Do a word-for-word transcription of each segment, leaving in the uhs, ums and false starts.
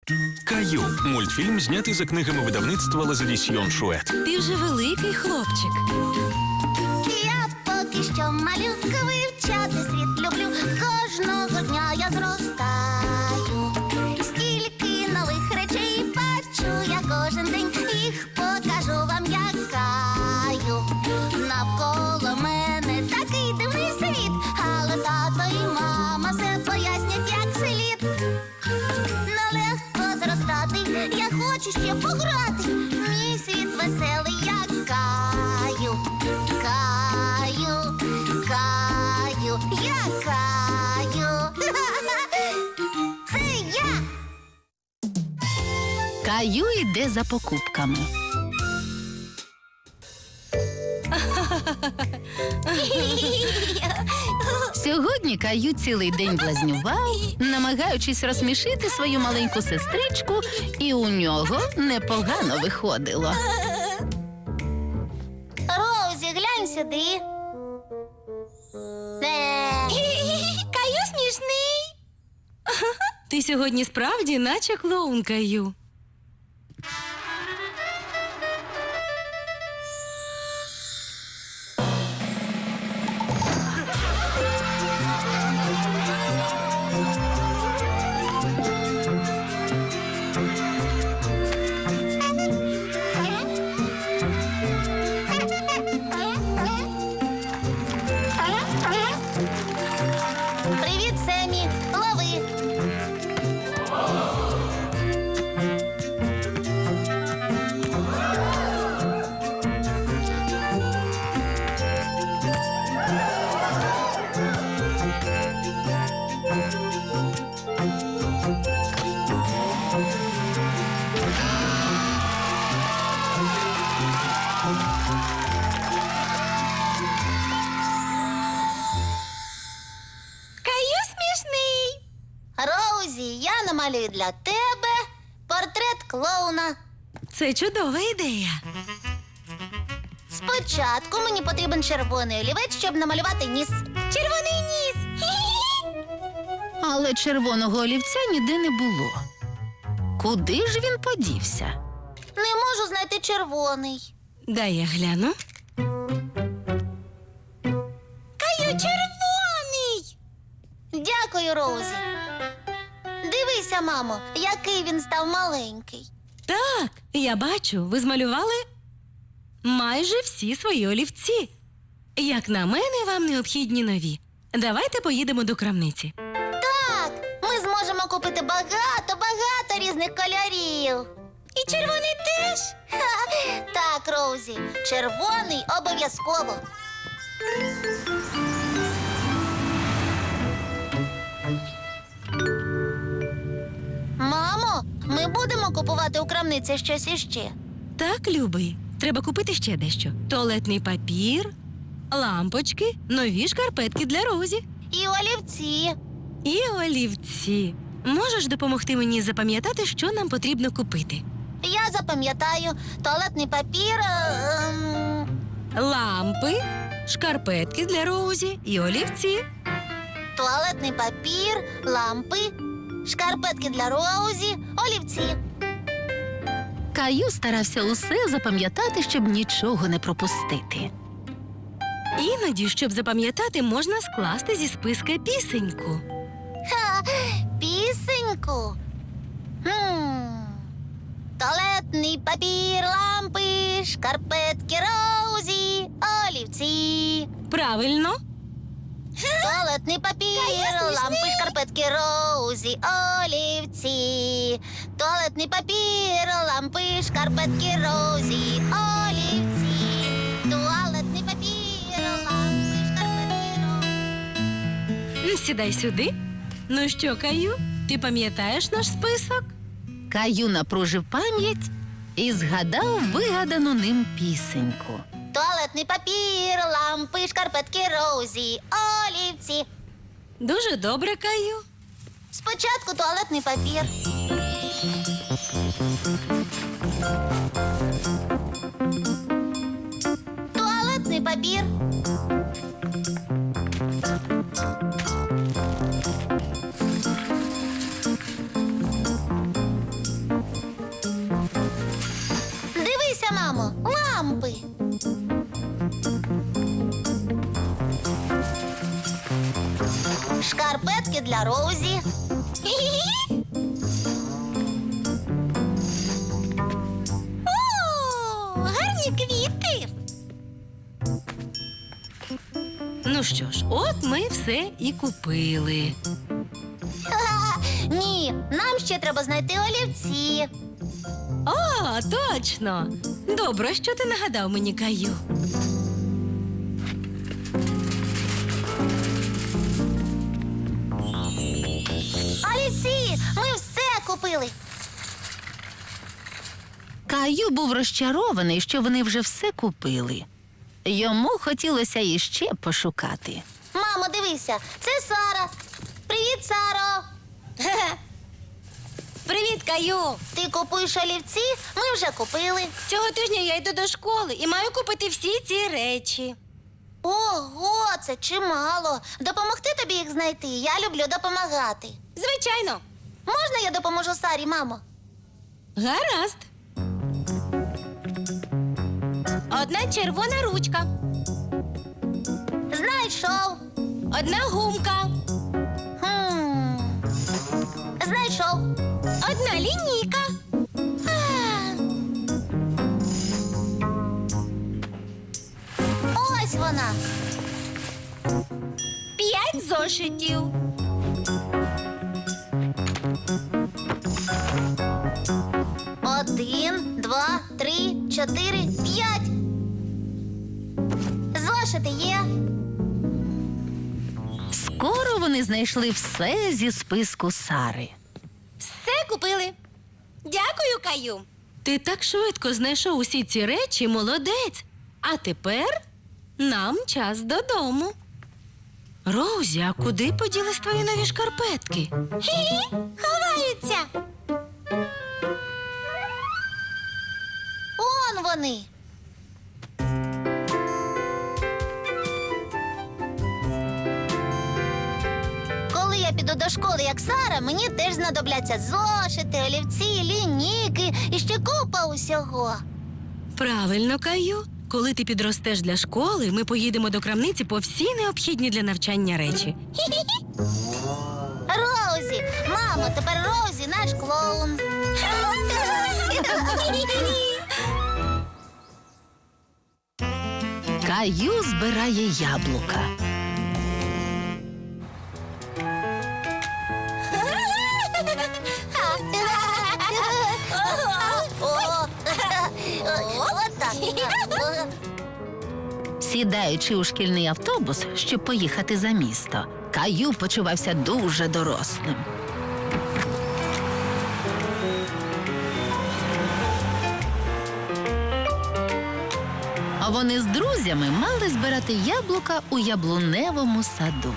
Каю – мультфільм, знятий за книгами видавництва Лазадісьйон Шует. Ти вже великий хлопчик. Я поки що малюка, вивчати світ люблю. Кожного дня я зростаю. Стільки нових речей бачу я кожен день. Їх покажу вам, як Каю. Навколо мене такий дивний світ, але тато і мама все пояснять, як слід. Нелегко зростати, я хочу ще пограти. Мій світ веселий, як Каю. Каю, Каю, я Каю. Це я. Каю йде за покупками. Сьогодні Каю цілий день блазнював, намагаючись розсмішити свою маленьку сестричку, і у нього непогано виходило. Роузі, глянь сюди. Каю смішний. Ти сьогодні справді наче клоун, Каю. Привіт, Семі. Лови. Каю смішний. Роузі, я намалюю для тебе портрет клоуна. Це чудова ідея. Спочатку мені потрібен червоний олівець, щоб намалювати ніс. Червоний ніс! Але червоного олівця ніде не було. Куди ж він подівся? Не можу знайти червоний. Дай я гляну. Каю, червоний! Дякую, Роузі. Дивися, мамо, який він став маленький. Так, я бачу, ви змалювали майже всі свої олівці. Як на мене, вам необхідні нові. Давайте поїдемо до крамниці. Так, ми зможемо купити багато-багато різних кольорів. І червоний теж? Ха, так, Роузі, червоний обов'язково. Мамо, ми будемо купувати у крамниці щось іще. Так, любий, треба купити ще дещо. Туалетний папір, лампочки, нові шкарпетки для Розі. І олівці. І олівці. Можеш допомогти мені запам'ятати, що нам потрібно купити? Я запам'ятаю туалетний папір. Ем... Лампи, шкарпетки для Розі і олівці. Туалетний папір, лампи, шкарпетки для Роузі, олівці. Каю старався усе запам'ятати, щоб нічого не пропустити. Іноді, щоб запам'ятати, можна скласти зі списка пісеньку. Ха, пісеньку. Хм. Туалетний папір, лампи, шкарпетки Роузі, олівці. Правильно. Туалетний папір, лампи, шкарпетки Роузі, олівці. Туалетний папір, лампи, шкарпетки Роузі, олівці. Туалетний папір, лампи, шкарпетки Роузі. Сідай сюди. Ну що, Каю, ти пам'ятаєш наш список? Каю напружив пам'ять і згадав вигадану ним пісеньку. Туалетний папір, лампи, шкарпетки Роузі, олівці. Дуже добре, Каю. Спочатку туалетний папір. Туалетний папір. цукерки для Роузі. О, гарні квіти. Ну що ж, от ми все і купили. Ні, нам ще треба знайти олівці. О, точно! Добре, що ти нагадав мені, Каю. Олівці, ми все купили. Каю був розчарований, що вони вже все купили. Йому хотілося іще пошукати. Мамо, дивися, це Сара. Привіт, Саро. Привіт, Каю! Ти купуєш олівці? Ми вже купили. Цього тижня я йду до школи і маю купити всі ці речі. Ого, це чимало. Допомогти тобі їх знайти. Я люблю допомагати. Звичайно. Можна я допоможу Сарі, мамо? Гаразд. Одна червона ручка, Знайшов. одна гумка, Хм. Знайшов. одна лінійка. А. Ось вона. П'ять зошитів. Один, два, три, чотири, п'ять. Зошити є. Скоро вони знайшли все зі списку Сари. Все купили. Дякую, Каю. Ти так швидко знайшов усі ці речі, молодець. А тепер нам час додому. Роузі, а куди поділись твої нові шкарпетки? Хі-хі, ховаються. Он вони. Коли я піду до школи, як Сара, мені теж знадобляться зошити, олівці, лінійки і ще купа усього. Правильно, Каю. Коли ти підростеш для школи, ми поїдемо до крамниці по всі необхідні для навчання речі. Роузі, мамо, тепер Роузі наш клоун. Каю збирає яблука. Отак. Сідаючи у шкільний автобус, щоб поїхати за місто, Каю почувався дуже дорослим. А вони з друзями мали збирати яблука у яблуневому саду.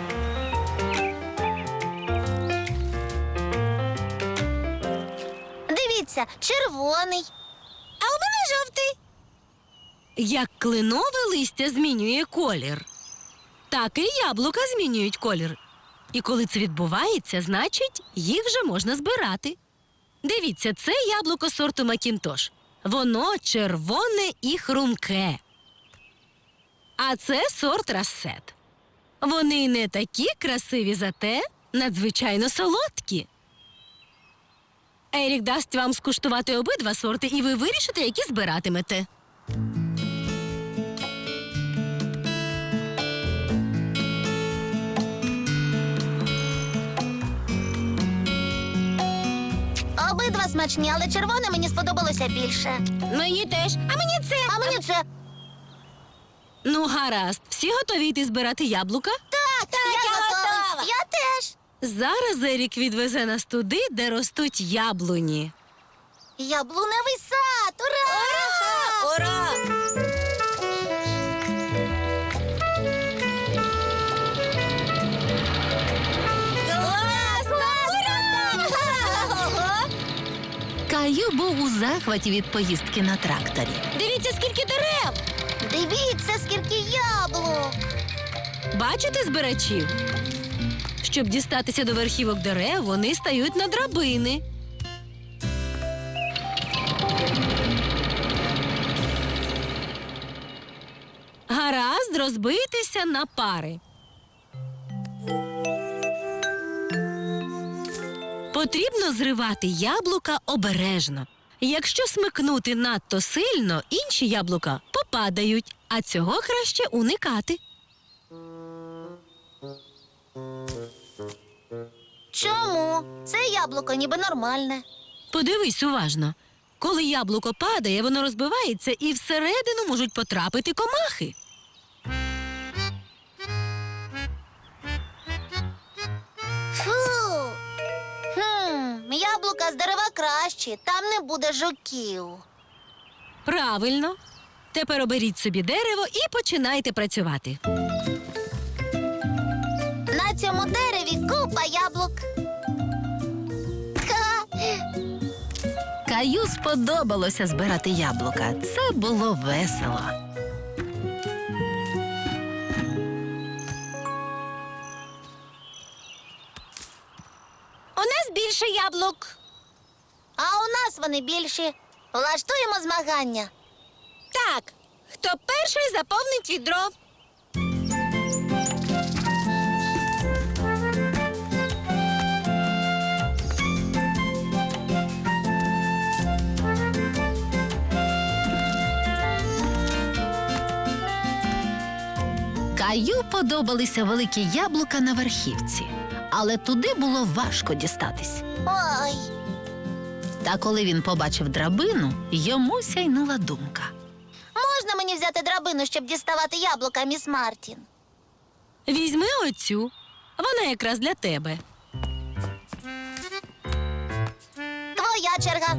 Дивіться, червоний. А у мене жовтий. Як кленове листя змінює колір, так і яблука змінюють колір. І коли це відбувається, значить, їх вже можна збирати. Дивіться, це яблуко сорту Макінтош. Воно червоне і хрумке. А це сорт Рассет. Вони не такі красиві, зате надзвичайно солодкі. Ерік дасть вам скуштувати обидва сорти, і ви вирішите, які збиратимете. Обидва смачні, але червоне мені сподобалося більше. Мені теж. А мені це. А мені це. Ну, гаразд. Всі готові йти збирати яблука? Так, так, я, готова. Я теж. Зараз Ерік відвезе нас туди, де ростуть яблуні. Яблуневий сад! Ура! Ура! Класно! Ура! Каю був у захваті від поїздки на тракторі. Дивіться, скільки дерев! Дивіться, скільки яблук! Бачите збирачів? Щоб дістатися до верхівок дерев, вони стають на драбини. Гаразд розбитися на пари. Потрібно зривати яблука обережно. Якщо смикнути надто сильно, інші яблука попадають, а цього краще уникати. Чому? Це яблуко ніби нормальне. Подивись уважно. Коли яблуко падає, воно розбивається і всередину можуть потрапити комахи. Фу. Хм, яблука з дерева кращі, там не буде жуків. Правильно. Тепер оберіть собі дерево і починайте працювати. На цьому дереві купа яблук. Ха! Каю сподобалося збирати яблука. Це було весело. У нас більше яблук. А у нас вони більші. Влаштуємо змагання. Так, хто перший заповнить відро. Каю подобалися великі яблука на верхівці, але туди було важко дістатись. Ой, Та коли він побачив драбину, йому сяйнула думка. можна мені взяти драбину, щоб діставати яблука, міс Мартін? Візьми оцю. Вона якраз для тебе. Твоя черга.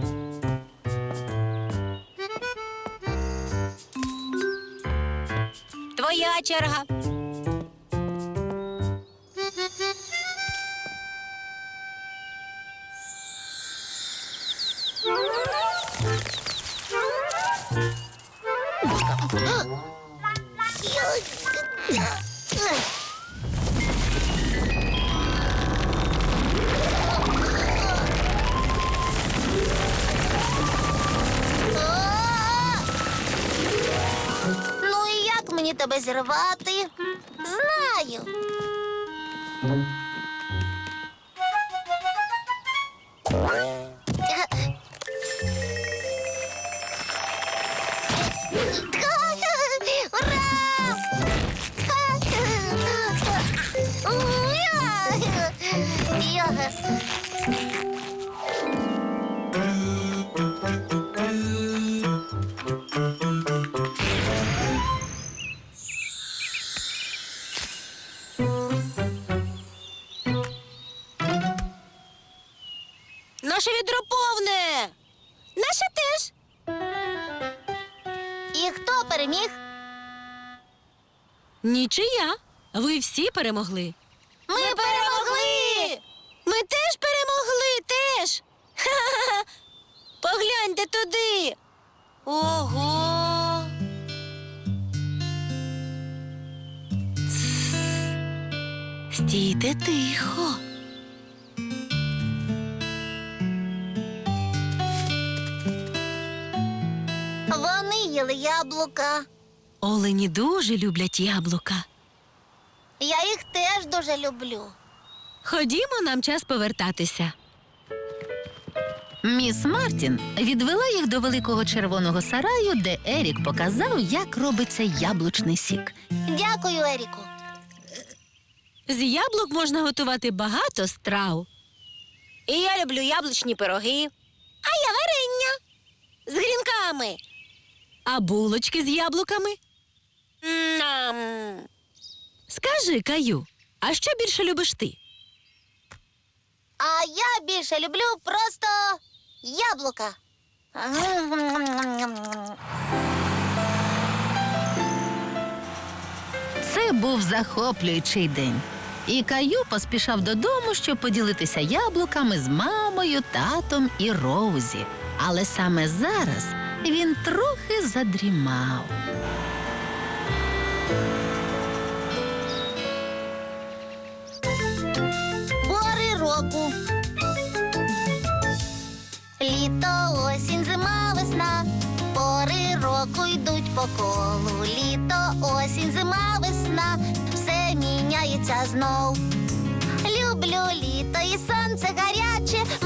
Твоя черга. Ну і як мені тебе зірвати? Знаю. Наше відро повне. Наше теж. І хто переміг? Нічия. Ви всі перемогли. Ми перемогли! Ми теж перемогли, теж. Ха-ха-ха. Погляньте туди. Ого. Стійте тихо. Вони їли яблука. Олені дуже люблять яблука. Я їх теж дуже люблю. Ходімо, нам час повертатися. Міс Мартін відвела їх до великого червоного сараю, де Ерік показав, як робиться яблучний сік. Дякую, Еріку. З яблук можна готувати багато страв. І я люблю яблучні пироги. А я варення. З грінками. А булочки з яблуками? Нам. Скажи, Каю, а що більше любиш ти? А я більше люблю просто яблука. Це був захоплюючий день. І Каю поспішав додому, щоб поділитися яблуками з мамою, татом і Роузі. Але саме зараз він трохи задрімав. Пори року. Літо, осінь, зима, весна. Пори року йдуть по колу. Літо, осінь, зима, весна. Все міняється знов. Люблю літо і сонце гаряче.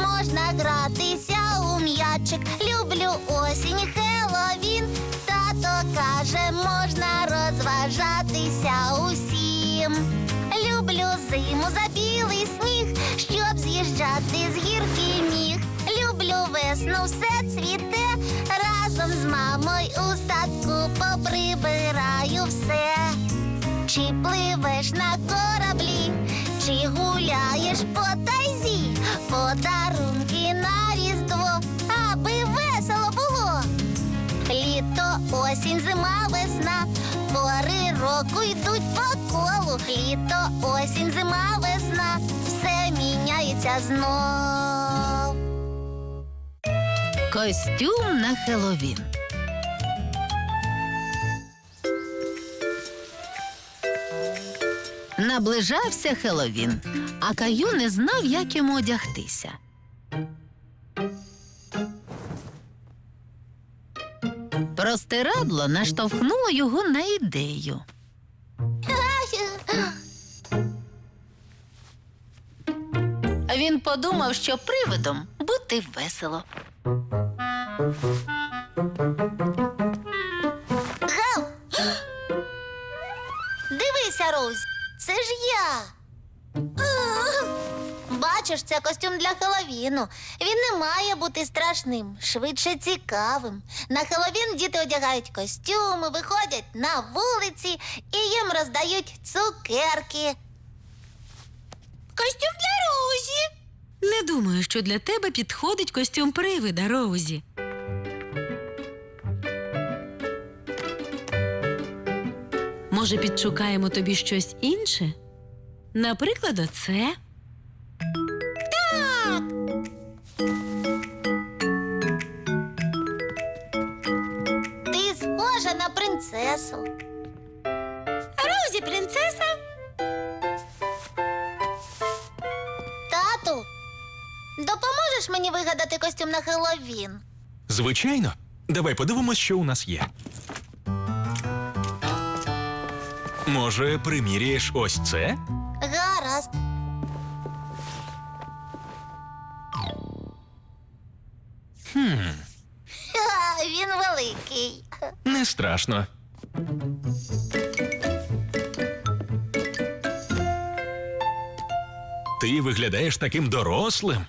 осінь, Хеллоуін. Тато каже, можна розважатися усім. Люблю зиму за білий сніг, щоб з'їжджати з гірки міг. Люблю весну, все цвіте, разом з мамою у садку поприбираю все. Чи пливеш на кораблі, чи гуляєш по тайзі, подарунки на Різдво, аби весело було. Літо, осінь, зима, весна, пори року йдуть по колу. Літо, осінь, зима, весна, все міняється знов. Костюм на Хеллоуін. Наближався Хеллоуін, а Каю не знав, як йому одягтися. Простирадло наштовхнуло його на ідею. Він подумав, що привидом бути весело. Гав! Дивися, Роуз, це ж я. Бачиш, це костюм для Хеллоуіну. Він не має бути страшним, швидше цікавим. На Хеллоуін діти одягають костюми, виходять на вулиці і їм роздають цукерки. Костюм для Роузі. Не думаю, що для тебе підходить костюм привида, Роузі. Може, підшукаємо тобі щось інше? Наприклад, оце? Так! Ти схожа на принцесу. Роузі принцеса? Тату, допоможеш мені вигадати костюм на Хеллоуін? Звичайно. Давай подивимось, що у нас є. Може, приміряєш ось це? Гаразд. Хм, Ха, він великий. не страшно. Ти виглядаєш таким дорослим.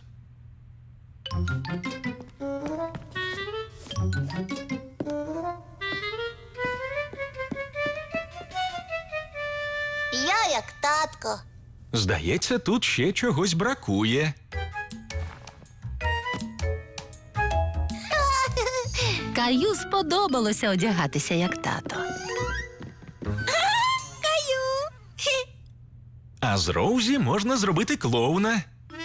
Я як татко. Здається, тут ще чогось бракує. Каю сподобалося одягатися як тато. Каю. А з Роузі можна зробити клоуна.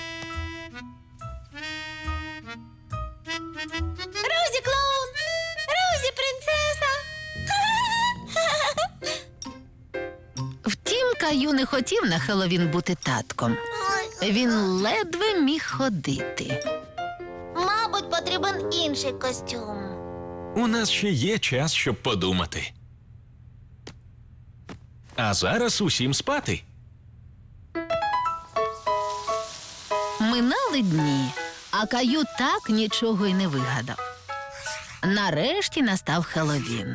Роузі клоун. Роузі принцеса. Втім, Каю не хотів на Хеллоуін бути татком. Він ледве міг ходити. Мабуть, потрібен інший костюм. У нас ще є час, щоб подумати. А зараз усім спати. Минали дні, а Каю так нічого й не вигадав. Нарешті настав Хеллоуін.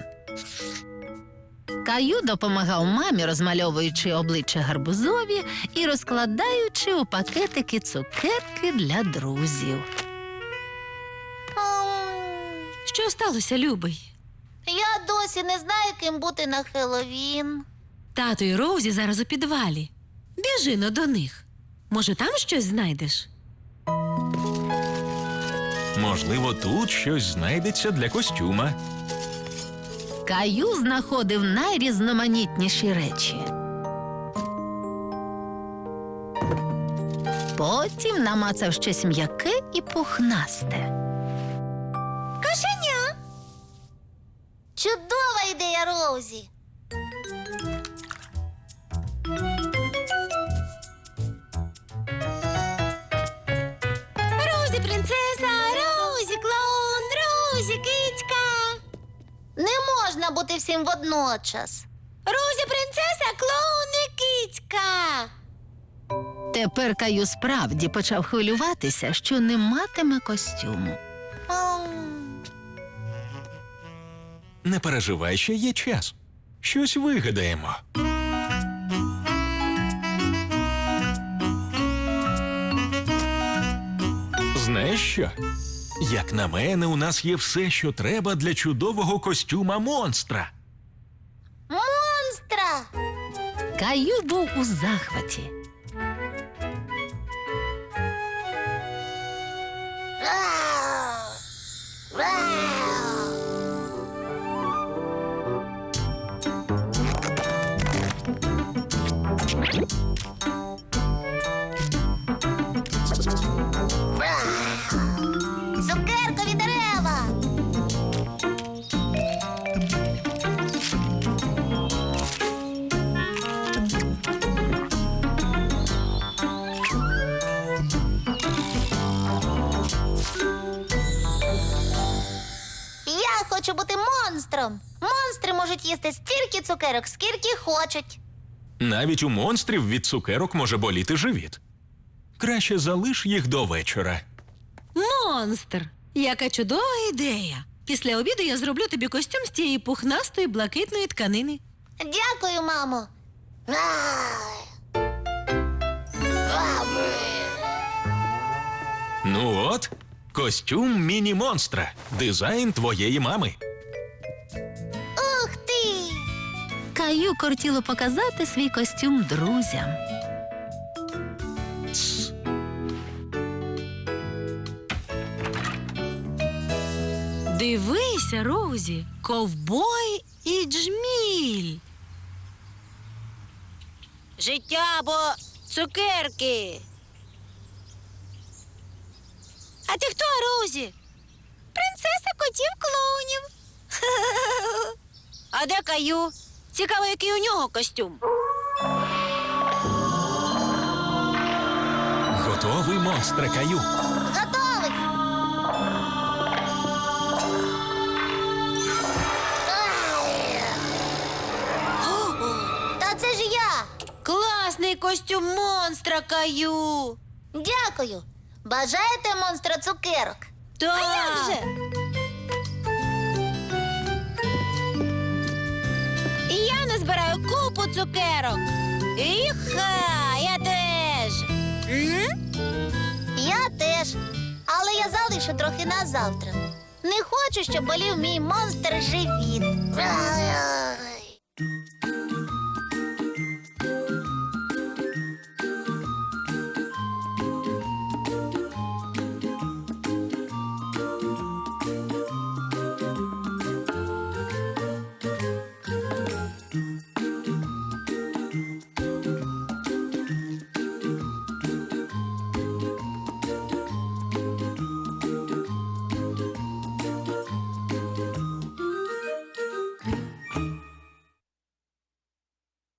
Каю допомагав мамі, розмальовуючи обличчя гарбузові і розкладаючи у пакетики цукерки для друзів. Ем, Що сталося, любий? Я досі не знаю, ким бути на Хеллоуін. Тато і Роузі зараз у підвалі. Біжи но до них. Може, там щось знайдеш? Можливо, тут щось знайдеться для костюма. Каю знаходив найрізноманітніші речі. Потім намацав щось м'яке і пухнасте. Кошеня. Чудова ідея, Роузі. Роузі принцеса, Роузі клоун, Роузі кицька. Не можна бути всім водночас. Роузі принцеса, клоун і кицька. Тепер Каю справді почав хвилюватися, що не матиме костюму. Ем, Не переживай, ще є час. Щось вигадаємо. Знаєш що? Як на мене, у нас є все, що треба для чудового костюма монстра. Монстра! Каю був у захваті. Вау! Вау! Вау! Цукеркові дерева! Я хочу бути монстром. Монстри можуть їсти стільки цукерок, скільки хочуть. Навіть у монстрів від цукерок може боліти живіт. Краще залиш їх до вечора. Монстр! Яка чудова ідея! Після обіду я зроблю тобі костюм з тієї пухнастої блакитної тканини. Дякую, мамо. Ай. Ау. Ну от, костюм міні-монстра. Дизайн твоєї мами. Ух ти! Каю кортіло показати свій костюм друзям. Тс. Дивися, Розі, ковбой і джміль. Життя або цукерки. А ти хто, Розі? Принцеса котів-клоунів. А де Каю? Цікаво, який у нього костюм. Готовий монстре, Каю. Готовий! Ай. Та це ж я! Класний костюм монстра, Каю. Дякую! Бажаєте монстра цукерок? Так. А як же? І я назбираю купу цукерок. Іха, я теж. М? Я теж. Але я залишу трохи на завтра. Не хочу, щоб болів мій монстр живіт.